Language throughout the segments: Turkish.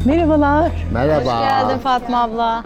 Merhabalar. Merhaba. Hoş geldin Fatma abla.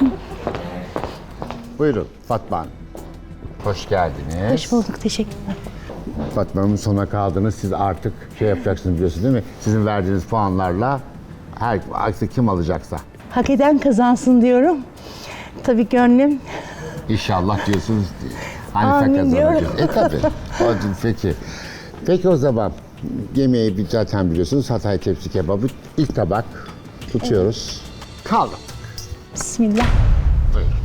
Buyurun Fatma Hanım. Hoş geldiniz. Hoş bulduk, teşekkürler. Fatma Hanım sona kaldınız. Siz artık şey yapacaksınız biliyorsunuz değil mi? Sizin verdiğiniz puanlarla artık kim alacaksa. Hak eden kazansın diyorum. Tabii gönlüm. İnşallah diyorsunuz. Hanife Amin kazanacak. diyorum. Tabii. Peki. Peki o zaman yemeği zaten biliyorsunuz. Hatay tepsi kebabı. İlk tabak tutuyoruz. Kaldı. Bismillah. Buyurun.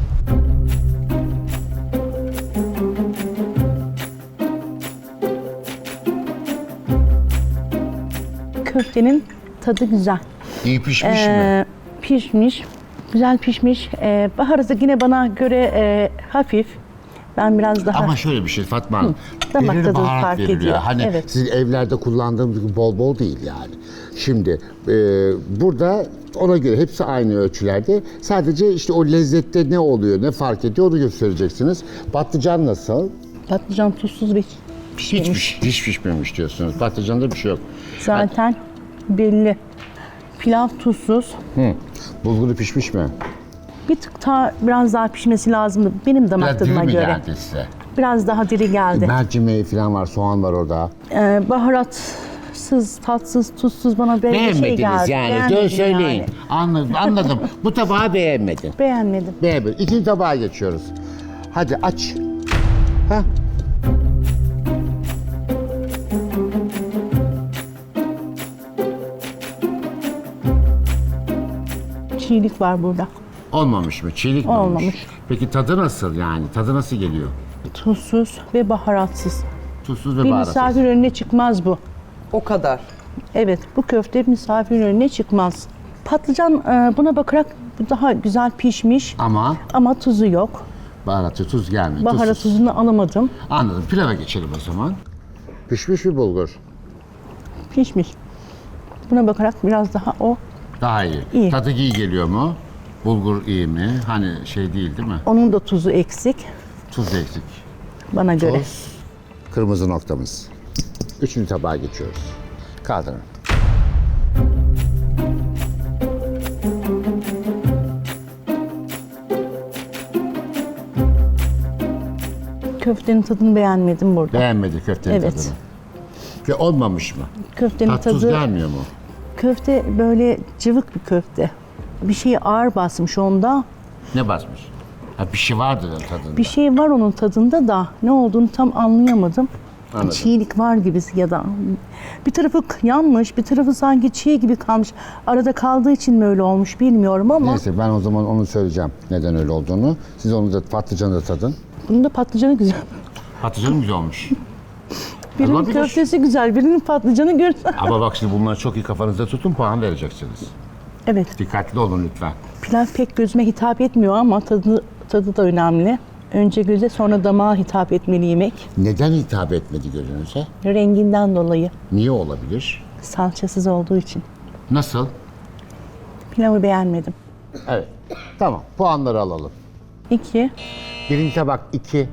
Köftenin tadı güzel. İyi pişmiş mi? Pişmiş, güzel pişmiş. Baharatı yine bana göre hafif. Ben biraz daha... Ama şöyle bir şey Fatma Hanım. damak belirli tadı baharat fark veriliyor. ediyor. Hani Evet. sizin evlerde kullandığımız gibi bol bol değil yani. Şimdi burada ona göre hepsi aynı ölçülerde. Sadece işte o lezzette ne oluyor, ne fark ediyor onu göstereceksiniz. Patlıcan nasıl? Patlıcan tuzsuz ve pişmemiş. Hiç pişmemiş diyorsunuz. Patlıcanda bir şey yok. Zaten belli. Pilav tuzsuz. Bulguru pişmiş mi? Bir tık biraz daha pişmesi lazımdı benim damak Biraz diri tadıma mi göre. geldi size? Biraz daha diri geldi. Mercimeği falan var, soğan var orada. Baharatsız, tatsız, tuzsuz bana böyle bir şey geldi. Beğenmedim Söyleyin. yani. Anladım. Bu tabağı beğenmedin. Beğenmedim. Beğenmedim. İkinci tabağa geçiyoruz. Hadi aç. Ha? Çiğlik var burada. Olmamış mı? Çiğlik mi olmuş? Olmamış. Peki tadı nasıl yani? Tadı nasıl geliyor? Tuzsuz ve baharatsız. Tuzsuz ve Bir baharatsız. misafir önüne çıkmaz bu. O kadar. Evet, bu köfte misafir önüne çıkmaz. Patlıcan buna bakarak daha güzel pişmiş ama tuzu yok. Baharatı, tuz gelmiyor. Baharat Tuzsuz. tuzunu alamadım. Anladım. Pilava geçelim o zaman. Pişmiş mi bulgur? Pişmiş. Buna bakarak biraz daha o Daha iyi. İyi. Tadı iyi geliyor mu? Bulgur iyi mi? Hani şey değil mi? onun da tuzu eksik Tuz eksik. bana göre. Tuz, kırmızı noktamız. Üçüncü tabağa geçiyoruz. Kaldırın. Köftenin tadını beğenmedim burada. Beğenmedi köftenin Evet. tadını. Ve olmamış mı? Köftenin Tat tuz tadı, gelmiyor mu? köfte böyle cıvık bir köfte. Bir şeyi ağır basmış onda. Ne basmış? Ha bir şey vardı da tadında. Bir şey var onun tadında da ne olduğunu tam anlayamadım. Anladım. Çiğlik var gibi ya da bir tarafı yanmış, bir tarafı sanki çiğ gibi kalmış. Arada kaldığı için mi öyle olmuş bilmiyorum ama Neyse ben o zaman onu söyleyeceğim neden öyle olduğunu. Siz onu da patlıcanı da tadın. bunun da patlıcanı güzel. Patlıcanı güzel olmuş. Birinin Olabilir. köftesi güzel, birinin patlıcanı güzel. Ama bak şimdi bunları çok iyi kafanızda tutun puan vereceksiniz. Evet, Dikkatli olun lütfen. pilav pek gözüme hitap etmiyor ama tadı da önemli. Önce göze sonra damağa hitap etmeli yemek. Neden hitap etmedi gözünüze? Renginden dolayı, Niye olabilir? salçasız olduğu için. Nasıl? Pilavı beğenmedim. Evet. Tamam puanları alalım. 2, Birinci tabak 2.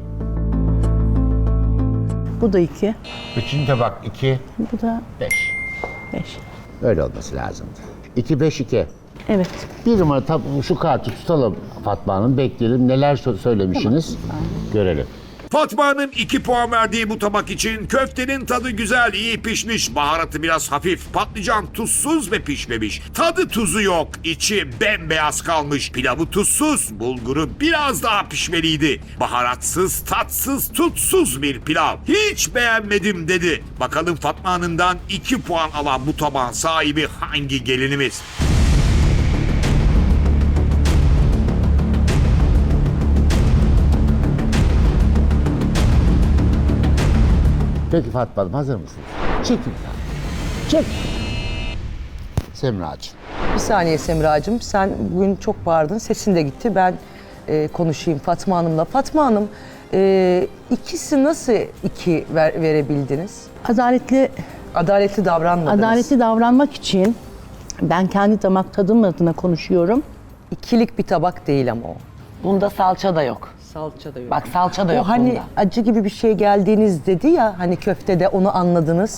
bu da 2, Üçüncü tabak 2. bu da 5. 5. Öyle olması lazımdı. 2, 5, 2. Evet, Bir numara şu kartı tutalım Fatma Hanım. Bekleyelim. Neler söylemişsiniz? Görelim. Fatma'nın 2 puan verdiği bu tabak için köftenin tadı güzel, iyi pişmiş, baharatı biraz hafif, patlıcan tuzsuz ve pişmemiş. Tadı tuzu yok, içi bembeyaz kalmış, pilavı tuzsuz, bulguru biraz daha pişmeliydi. Baharatsız, tatsız, tutsuz bir pilav. Hiç beğenmedim dedi. Bakalım Fatma Hanım'dan 2 puan alan bu tabağın sahibi hangi gelinimiz? Peki Fatma Hanım hazır mısınız? Çekin. Çek. Semracığım. Bir saniye Semracığım, sen bugün çok bağırdın, sesin de gitti. Ben konuşayım Fatma Hanım'la. Fatma Hanım, ikisi nasıl 2 verebildiniz? Adaletli davranmadınız. adaletli davranmak için ben kendi damak tadım adına konuşuyorum. İkilik bir tabak değil ama o. Bunda salça da yok. Salça da yok. Bak salça da yok O hani bunda. acı gibi bir şey geldiğiniz dedi ya, hani köftede onu anladınız.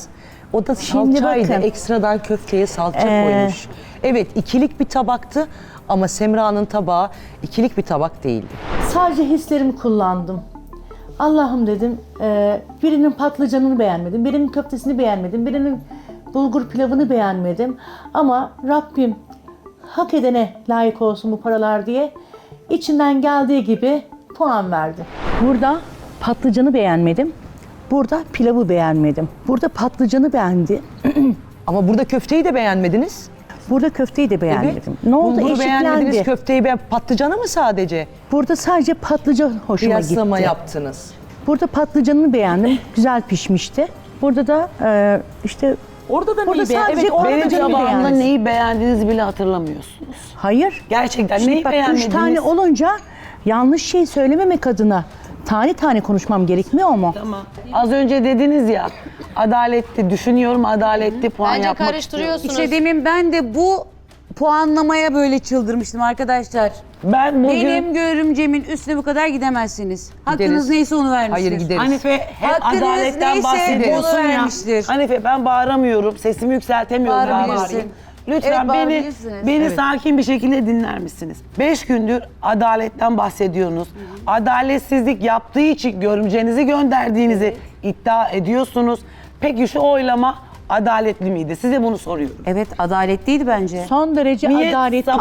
O da Şimdi salçaydı. bakın. Ekstradan köfteye salça koymuş. Evet, ikilik bir tabaktı ama Semra'nın tabağı ikilik bir tabak değildi. Sadece hislerimi kullandım. Allah'ım dedim, birinin patlıcanını beğenmedim, birinin köftesini beğenmedim, birinin bulgur pilavını beğenmedim. Ama Rabbim hak edene layık olsun bu paralar diye içinden geldiği gibi puan verdi. Burada patlıcanı beğenmedim, burada pilavı beğenmedim. Burada patlıcanı beğendi, Ama burada köfteyi de beğenmediniz. burada köfteyi de beğenmedim. Ne oldu? Bulguru beğenmediniz, Eşitlendi. köfteyi patlıcanı mı sadece? Burada sadece patlıcan hoşuma Kıyaslama gitti. yaptınız. Burada patlıcanını beğendim. Güzel pişmişti. Burada da işte Orada da burada neyi beğendiniz? sadece Evet, Benim patlıcanı tabağımda beğendim. neyi beğendiğinizi bile hatırlamıyorsunuz. Hayır. Gerçekten Şimdi neyi bak, beğenmediniz? 3 tane olunca yanlış şey söylememek adına tane tane konuşmam gerekmiyor mu? Tamam. Az önce dediniz ya, adaletli, düşünüyorum adaletli puan Bence yapmak karıştırıyorsunuz. İşte demin ben de bu puanlamaya böyle çıldırmıştım arkadaşlar. Ben bugün Benim görümcemin üstüne bu kadar gidemezsiniz. Hakkınız Gideriz. neyse onu vermiştir. Hayır, gideriz. Hanife hep Hakkınız adaletten neyse bahsediyorsun onu ya. vermiştir. Hanife ben bağıramıyorum, sesimi yükseltemiyorum. Bağırabilirsin. Bağırayım. Lütfen Evet, beni bağırabilirsiniz. sakin bir şekilde dinler misiniz? 5 gündür adaletten bahsediyorsunuz. Adaletsizlik yaptığı için görümcenizi gönderdiğinizi iddia ediyorsunuz. Peki şu oylama adaletli miydi? Size bunu soruyorum. Evet, adaletliydi bence. Son derece Niye adaletli.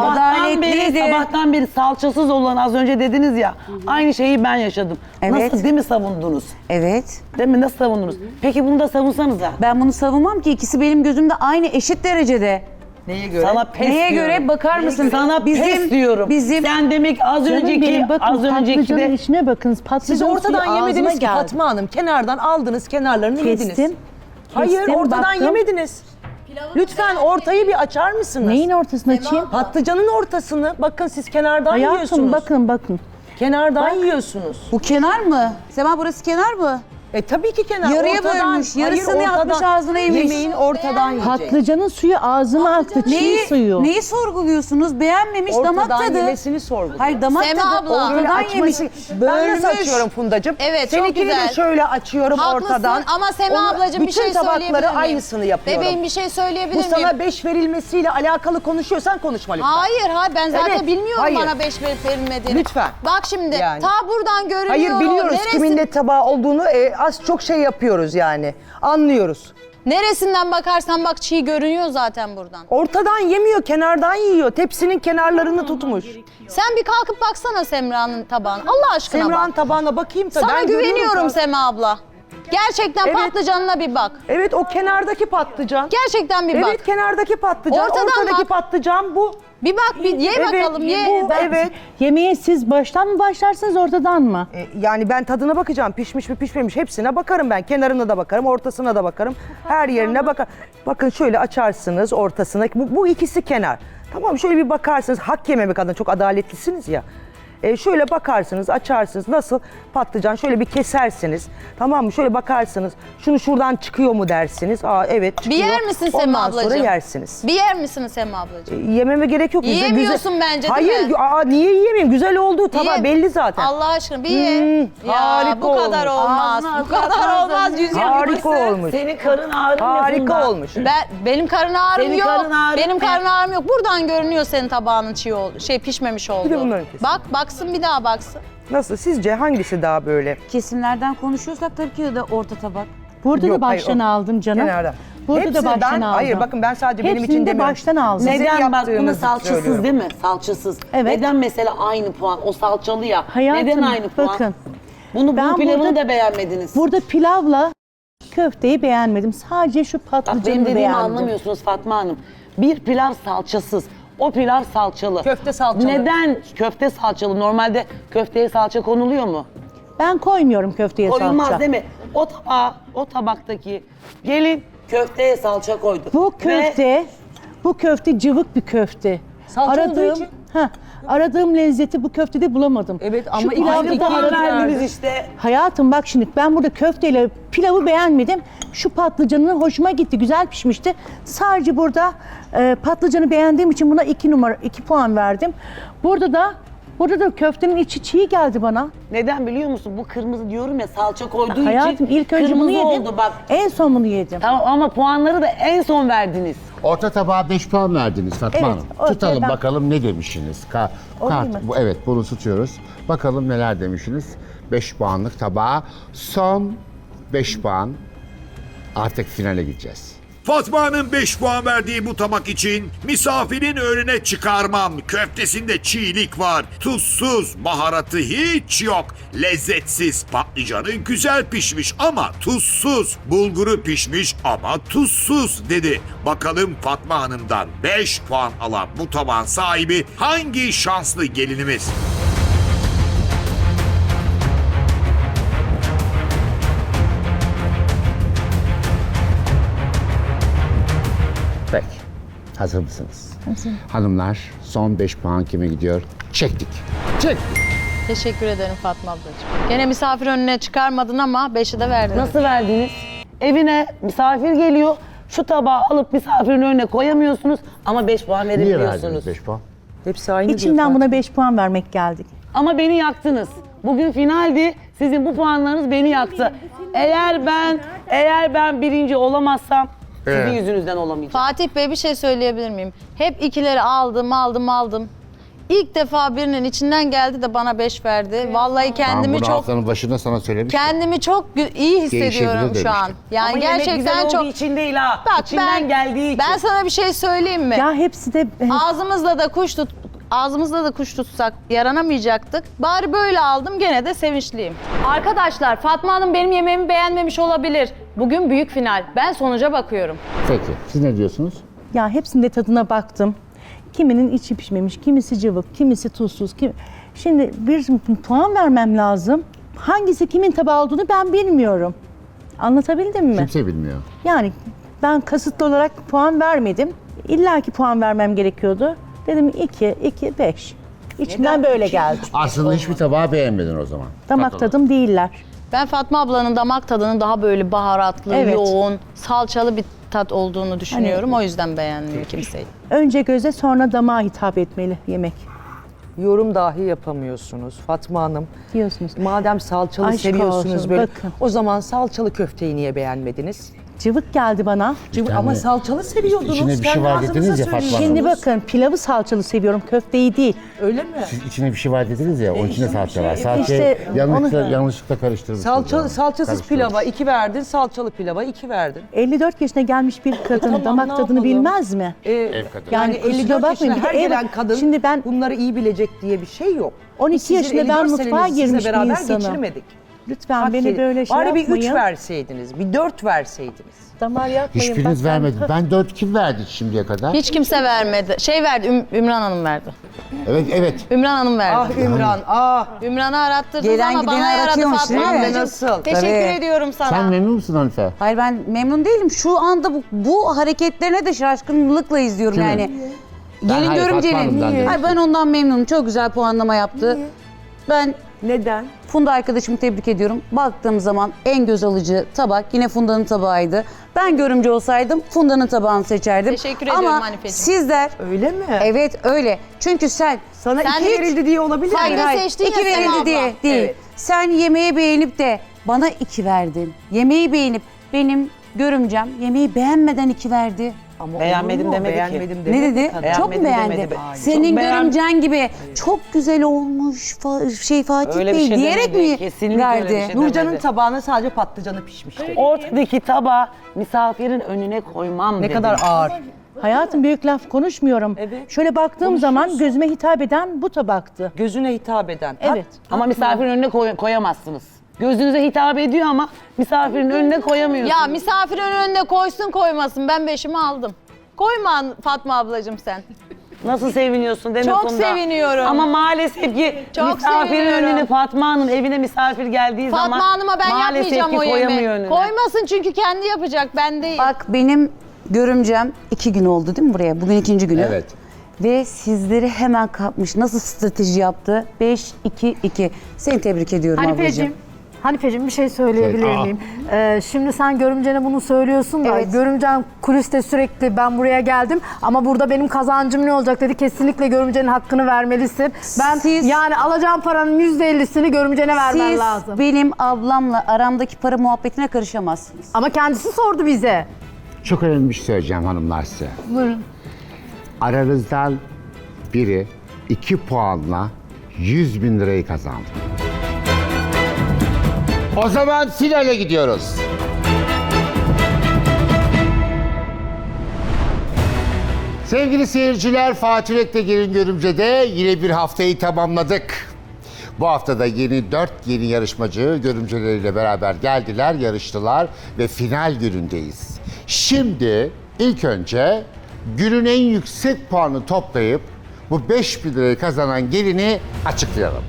sabahtan beri salçasız olan az önce dediniz ya, aynı şeyi ben yaşadım. Evet. Nasıl, değil mi savundunuz? Evet. Değil mi? Nasıl savundunuz? Peki bunu da savunsanıza. Ben bunu savunmam ki, ikisi benim gözümde aynı, eşit derecede. Neye göre? Sana pes Neye diyorum. göre bakar mısın? Sana pes diyorum. Bizim Sen demek az Canım önceki benim, bakın az önceki patlıcanın de içine bakın. Patlıcan Siz ortadan suyu yemediniz ağzıma ki geldi. Fatma Hanım. Kenardan aldınız, kenarlarını yediniz. Kestim. Hayır, Kestim, ortadan baktım. yemediniz. Lütfen ortayı bir açar mısınız? Neyin ortasını açayım? Patlıcanın ortasını. Bakın siz kenardan Hayatım yiyorsunuz. bakın. Kenardan yiyorsunuz. bu kenar mı? Sema, burası kenar mı? Tabii ki kenar. Yarıya ortadan, bölmüş, yarısını yapmış, ağzına yemiş. Yemeğin ortadan yiyecek. Patlıcanın suyu ağzıma aktı. Çiğ suyu. Neyi sorguluyorsunuz? Beğenmemiş, damak Ortadan tadı. yemesini sorguluyor. Hayır, damak Sema tadı abla. Böyle ortadan yemiş. açması. Ben nasıl açıyorum Fundacığım? Evet, çok Seninkini güzel. de şöyle açıyorum Haklısın ortadan. ama Sema Onu- ablacığım bir şey bütün söyleyebilir miyim? tabakları aynısını yapıyorum. Bebeğim bir şey söyleyebilir Bu miyim? sana 5 verilmesiyle alakalı konuşuyorsan konuşma lütfen. Hayır ben zaten Evet, bilmiyorum hayır. bana 5 verip verilmediğini. Lütfen. Bak şimdi Yani. ta buradan görünüyor. Hayır biliyoruz Neresi- kimin ne tabağı olduğunu az çok şey yapıyoruz yani. Anlıyoruz. Neresinden bakarsan bak çiğ görünüyor zaten buradan. Ortadan yemiyor, kenardan yiyor. Tepsinin kenarlarını tutmuş. Sen bir kalkıp baksana Semra'nın tabağına. Allah aşkına Semra'nın bak. tabağına bakayım tabii. Sana Ben görüyorum güveniyorum tabii. Sema abla. Gerçekten Evet. patlıcanına bir bak. Evet o kenardaki patlıcan. Gerçekten bir bak. Evet kenardaki patlıcan, Ortadan ortadaki bak. patlıcan bu. Bir bak bir ye Evet, bakalım ye. bu, evet. Yemeğe siz baştan mı başlarsınız ortadan mı? Yani ben tadına bakacağım. Pişmiş mi pişmemiş hepsine bakarım ben. Kenarına da bakarım, ortasına da bakarım. Her yerine bakar. Bakın şöyle açarsınız ortasına. Bu ikisi kenar. Tamam şöyle bir bakarsınız. Hak yememek adına çok adaletlisiniz ya. Şöyle bakarsınız, açarsınız. Nasıl? Patlıcan şöyle bir kesersiniz. Tamam mı? Şöyle bakarsınız. Şunu şuradan çıkıyor mu dersiniz. Aa evet çıkıyor. Bir yer misin Sema Ondan ablacığım? sonra yersiniz. Bir yer misin Sema ablacığım? Yememe gerek yok. Yiyemiyorsun bence, değil Hayır, mi? niye yiyemeyeyim? Güzel olduğu tabağı Ye. belli zaten. Allah aşkına bir ye. harika bu kadar olmuş. olmaz. Ağzına Bu kadar olmaz. Yüz Harika olmuş. senin karın ağrın Harika olmuş. Benim karın ağrım Senin yok. karın ağrın Benim ne? karın ağrım yok. Buradan görünüyor senin tabağının pişmemiş olduğu. bunların kesin. Bak baksın bir daha baksın. Nasıl? Sizce hangisi daha böyle? Kesimlerden konuşuyorsak tabii ki de orta tabak. Burada Yok, da baştan hayır, aldım canım. Kenarda. Burada Hepsini da baştan ben, aldım. Hayır bakın ben sadece benim Hepsini için de demiyorum. baştan aldım. Sizin Neden bak buna yaptığınızı salçasız söylüyorum. değil mi? Salçasız. Evet. Neden mesela aynı puan? O salçalı ya. Hayatım, Neden aynı puan? bakın. Bunu Ben bu pilavını burada- da beğenmediniz. Burada pilavla köfteyi beğenmedim. Sadece şu Bak benim patlıcanı dediğimi beğendim. anlamıyorsunuz Fatma Hanım. Bir pilav salçasız. O pilav salçalı. Köfte salçalı. Neden köfte salçalı? Normalde köfteye salça konuluyor mu? Ben koymuyorum köfteye Koyulmaz salça. değil mi? O tabaktaki gelin köfteye salça koydu. Bu köfte cıvık bir köfte. Salça olduğu için. Aradığım lezzeti bu köftede bulamadım. Evet, ama Şu pilavda Aynı da puan aradığım- verdiniz işte. Hayatım bak şimdi ben burada köfteyle pilavı beğenmedim. Şu patlıcanın hoşuma gitti. Güzel pişmişti. Sadece burada patlıcanı beğendiğim için buna 2 puan verdim. Burada da Burada da köftenin içi çiğ geldi bana. Neden biliyor musun? Bu kırmızı diyorum ya, salça koyduğu Hayatım için ilk önce bunu kırmızı yedim. oldu bak. En son bunu yedim. Tamam ama puanları da en son verdiniz. Orta tabağa 5 puan verdiniz Fatma Evet, Hanım. ortaya Tutalım ben- bakalım ne demişsiniz. O değil mi? Evet, bunu tutuyoruz. Bakalım neler demişsiniz. 5 puanlık tabağa son 5 puan. Artık finale gideceğiz. Fatma Hanım 5 puan verdiği bu tabak için misafirin önüne çıkarmam. Köftesinde çiğlik var. Tuzsuz, baharatı hiç yok. Lezzetsiz, patlıcanı güzel pişmiş ama tuzsuz. Bulguru pişmiş ama tuzsuz dedi. Bakalım Fatma Hanım'dan 5 puan alan bu tabağın sahibi hangi şanslı gelinimiz? Peki. Hazır mısınız? Hanımlar son 5 puan kime gidiyor? Çektik. Çektik. Teşekkür ederim Fatma ablacığım. Gene misafir önüne çıkarmadın ama 5'i de verdin. Nasıl verdiniz? Evine misafir geliyor. Şu tabağı alıp misafirin önüne koyamıyorsunuz ama 5 puan Niye verebiliyorsunuz. verdiniz 5 puan? Hepsi aynı diyor İçimden Fatma. buna 5 puan vermek geldi. Ama beni yaktınız. Bugün finaldi. Sizin bu puanlarınız beni yaktı. Eğer ben birinci olamazsam sizin yüzünüzden olamayacağım. Fatih Bey bir şey söyleyebilir miyim? Hep ikileri aldım. İlk defa birinin içinden geldi de bana 5 verdi. Vallahi Ben kendimi bunu çok haftanın başında sana söylemiştim. iyi hissediyorum Değişebilir şu an. demiştim. Yani Ama yemek gerçekten güzel çok olduğu için değil ha. Bak İçinden geldiği için. ben sana bir şey söyleyeyim mi? Ya hepsi de Ağzımızla da kuş tutsak yaranamayacaktık. Bari böyle aldım, gene de sevinçliyim. Arkadaşlar Fatma Hanım benim yemeğimi beğenmemiş olabilir. Bugün büyük final. Ben sonuca bakıyorum. Peki. Siz ne diyorsunuz? ya hepsinde tadına baktım. Kiminin içi pişmemiş, kimisi cıvık, kimisi tuzsuz. Şimdi bir puan vermem lazım. Hangisi kimin tabağı olduğunu ben bilmiyorum. Anlatabildim mi? Kimse bilmiyor. Yani ben kasıtlı olarak puan vermedim. İlla ki puan vermem gerekiyordu. Dedim 2, 5. İçimden böyle geldi. Aslında hiçbir tabağı beğenmedin o zaman. Damak Bakalım. tadım değiller. Ben Fatma ablanın damak tadının daha böyle baharatlı, Evet. yoğun, salçalı bir tat olduğunu düşünüyorum. O yüzden beğenmiyor kimseyi. Önce göze sonra damağa hitap etmeli yemek Yorum dahi yapamıyorsunuz Fatma Hanım. diyorsunuz. Madem salçalı Aşk seviyorsunuz olsun, böyle. bakın. O zaman salçalı köfteyi niye beğenmediniz? Cıvık geldi bana. Ama salçalı seviyordunuz. İçine bir şey Kendi var ağzınıza dediniz ya söylüyorsunuz. Fatma Şimdi bakın pilavı salçalı seviyorum, köfteyi değil. Öyle mi? Siz içine bir şey var dediniz ya, onun içinde salça var. Salçayı İşte yanlışlıkla karıştırmışsınız. Salçasız pilava 2 verdin, salçalı pilava 2 verdin. 54 yaşına gelmiş bir kadın Tamam, damak ne tadını yapalım? bilmez mi? Ev kadını. Yani kusura 54 bakmayın, yaşına bir de her ev- gelen kadın Şimdi ben- bunları iyi bilecek diye bir şey yok. 12 Sizin yaşında ben 54 mutfağa senenizi girmiş sizle bir beraber insanım. geçirmedik. Lütfen Hak beni edin. böyle şey Bari bir 3 yapmayın. verseydiniz, bir 4 verseydiniz. Damar yapmayın. Hiçbiriniz bak, vermedi. Ben 4 kim verdi şimdiye kadar? Hiç kimse vermedi. Şey verdi, Ümran Hanım verdi. Evet. Ümran Hanım verdi. Ah Ümran, ah. Ümran'ı arattırdınız Gelen ama gideni bana yaradı aratıyormuş, Fatma değil mi? ablacığım. Nasıl? Teşekkür Tabii. ediyorum sana. Sen memnun musun Hanife? Hayır ben memnun değilim. Şu anda bu hareketlerine de şaşkınlıkla izliyorum Kimin? yani. hayır, Gelin Fatma görümcenin. Hanım'dan dedim. Hayır, ben ondan memnunum. Çok güzel puanlama yaptı. Ben Neden? Funda arkadaşımı tebrik ediyorum. Baktığım zaman en göz alıcı tabak yine Funda'nın tabağıydı. Ben görümce olsaydım Funda'nın tabağını seçerdim. Teşekkür ediyorum Ama Hanifeciğim. sizler Öyle mi? evet öyle. Çünkü sen Sana Sen 2 hiç- verildi diye olabilir Sen mi? de seçtin ya iki Sema verildi abla. diye değil. Evet. Sen yemeği beğenip de bana 2 verdin. Yemeği beğenip benim görümcem yemeği beğenmeden 2 verdi. Ama Beğenmedim olur mu? demedi ki. Beğenmedim Ne demedi dedi? kadın. Çok mu Beğenmedim beğendi? demedi. Ay, Senin çok beğen- görümcen gibi çok güzel olmuş Fatih Öyle bir Bey şey diyerek demedi. mi Kesinlikle öyle bir verdi? şey Nurcan'ın demedi. tabağına sadece patlıcanı pişmişti. Ortadaki tabağı misafirin önüne koymam Ne dedi. kadar ağır. Hayatım büyük laf konuşmuyorum. Evet. Şöyle baktığım zaman gözüme hitap eden bu tabaktı. Gözüne hitap eden. Evet. Ama misafirin önüne koyamazsınız. Gözünüze hitap ediyor ama misafirin önüne koyamıyorsunuz. Ya misafirin önünde koysun koymasın. Ben 5'imi aldım. Koyma Fatma ablacığım sen. Nasıl seviniyorsun deme Çok Funda. seviniyorum. Ama maalesef ki Çok misafirin seviniyorum. önüne Fatma Hanım evine misafir geldiği zaman Fatma Hanım'a ben maalesef yapmayacağım ki o koyamıyor yemeği. önüne. Koymasın çünkü kendi yapacak, ben değil. Bak benim görümcem 2 gün oldu değil mi buraya? Bugün 2. günü. Evet. Ve sizleri hemen kapmış. Nasıl strateji yaptı? 5-2-2. Seni tebrik ediyorum Hanifeciğim, ablacığım. Hanifeciğim bir şey söyleyebilir Söyle. miyim? Şimdi sen görümcene bunu söylüyorsun da Evet. görümcen kuliste sürekli ben buraya geldim ama burada benim kazancım ne olacak dedi. Kesinlikle görümcenin hakkını vermelisin. Ben Siz- yani alacağım paranın %50'sini görümcene vermen Siz lazım. benim ablamla aramdaki para muhabbetine karışamazsınız. Ama kendisi sordu bize. Çok önemli bir şey söyleyeceğim hanımlar size. Buyurun. Aranızdan biri 2 puanla 100 bin lirayı kazandı. O zaman finale gidiyoruz. Sevgili seyirciler, Fatih Yürek'te Gelin Görümce'de yine bir haftayı tamamladık. Bu haftada dört yeni yarışmacı görümceleriyle beraber geldiler, yarıştılar ve final günündeyiz. Şimdi ilk önce günün en yüksek puanı toplayıp bu 5.000 lirayı kazanan gelini açıklayalım.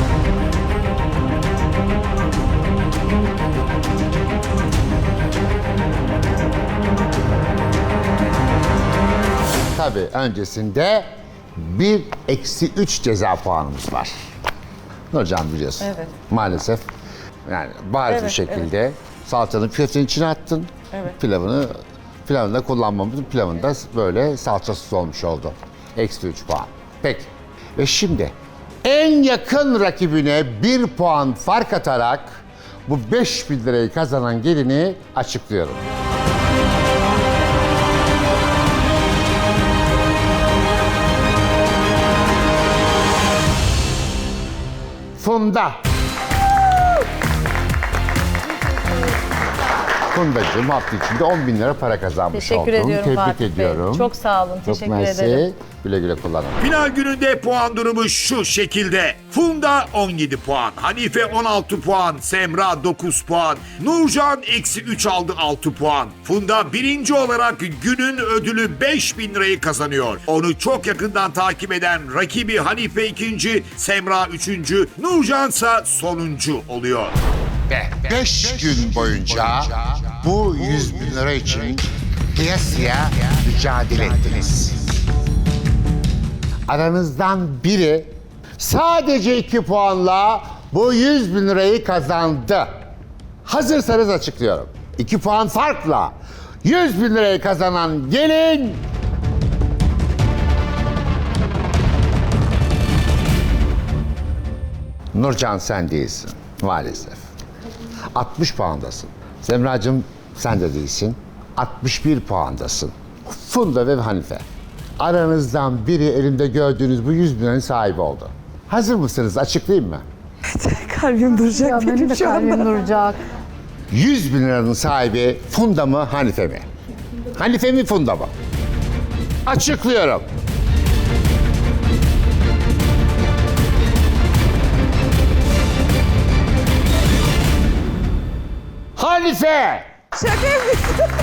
Tabii öncesinde 1-3 ceza puanımız var. Nurcan biliyorsun. Evet. Maalesef yani bariz bir şekilde salçanın köftenin içine attın. Evet. Pilavını da kullanmamızın pilavında böyle salçasız olmuş oldu. -3 puan. Peki. Ve şimdi en yakın rakibine 1 puan fark atarak bu 5.000 lirayı kazanan gelini açıklıyorum. Funda. Fundacığım hafta içinde 10 bin lira para kazanmış Teşekkür oldun. ediyorum Tebrik Fatih Bey. ediyorum. Çok sağ olun. Çok Teşekkür mersi. ederim. Güle güle kullanın. Final gününde puan durumu şu şekilde. Funda 17 puan, Hanife 16 puan, Semra 9 puan, Nurcan -3 aldı 6 puan. Funda birinci olarak günün ödülü 5.000 lirayı kazanıyor. Onu çok yakından takip eden rakibi Hanife ikinci, Semra üçüncü, Nurcan ise sonuncu oluyor. 5 gün boyunca bu 100 bin lira için kıyasıya mücadele ettiniz. Aranızdan biri sadece 2 puanla bu 100 bin lirayı kazandı. Hazırsanız açıklıyorum. 2 puan farkla 100 bin lirayı kazanan gelin... Nurcan sen değilsin maalesef. 60 puandasın. Semracığım sen de değilsin. 61 puandasın. Funda ve Hanife. Aranızdan biri elimde gördüğünüz bu 100 bin liranın sahibi oldu. Hazır mısınız? Açıklayayım mı? Kalbim duracak Ya benim de kalbim duracak. 100 bin liranın sahibi Funda mı, Hanife mi? Hanife mi, Funda mı? Açıklıyorum. Hanife! Şaka yapıyorsun.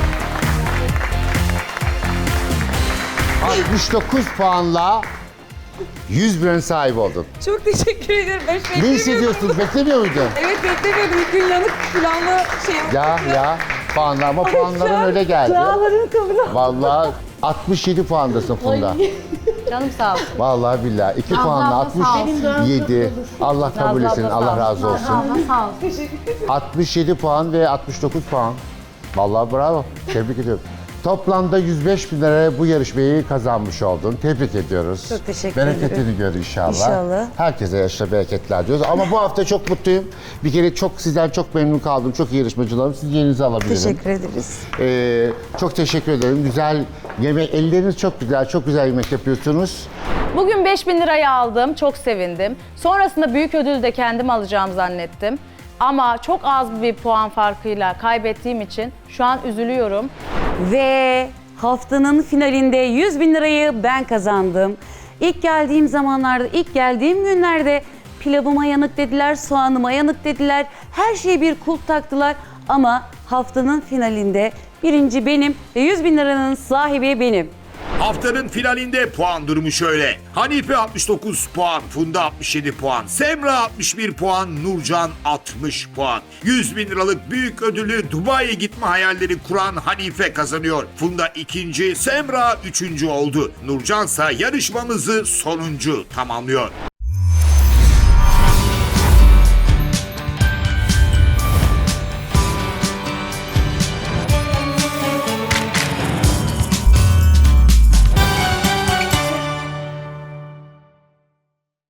69 puanla 100 bin liranın sahibi oldun. Çok teşekkür ederim. Ben hiç Ne beklemiyordum. hissediyorsun? Beklemiyor muydun? Evet beklemiyordum. İlk gün yanık planlı şey Ya puanlar ama puanların öyle geldi. Dağların kabul. Vallahi 67 puandasın Funda. Canım sağ olsun. Vallahi billahi 2 puanla 67. Allah kabul etsin. Allah razı olsun. Sağ ol. 67 puan ve 69 puan. Vallahi bravo. Tebrik ediyorum. Toplamda 105 bin liraya bu yarışmayı kazanmış oldun. Tebrik ediyoruz. Çok teşekkür ederim. Bereketini gör inşallah. İnşallah. Herkese yaşa bereketler diyoruz. Ama bu hafta çok mutluyum. Bir kere sizden çok memnun kaldım. Çok iyi yarışmacılarım. Siz yerinizi alabilirim. Teşekkür ederiz. Çok teşekkür ederim. Güzel yemek, elleriniz çok güzel. Çok güzel yemek yapıyorsunuz. Bugün 5.000 lirayı aldım. Çok sevindim. Sonrasında büyük ödülü de kendim alacağım zannettim. Ama çok az bir puan farkıyla kaybettiğim için şu an üzülüyorum. Ve haftanın finalinde 100 bin lirayı ben kazandım. İlk geldiğim zamanlarda, ilk geldiğim günlerde pilavıma yanık dediler, soğanıma yanık dediler. Her şeye bir kulp taktılar ama haftanın finalinde birinci benim ve 100 bin liranın sahibi benim. Haftanın finalinde puan durumu şöyle. Hanife 69 puan, Funda 67 puan, Semra 61 puan, Nurcan 60 puan. 100 bin liralık büyük ödülü Dubai'ye gitme hayalleri kuran Hanife kazanıyor. Funda ikinci, Semra üçüncü oldu. Nurcan ise yarışmamızı sonuncu tamamlıyor.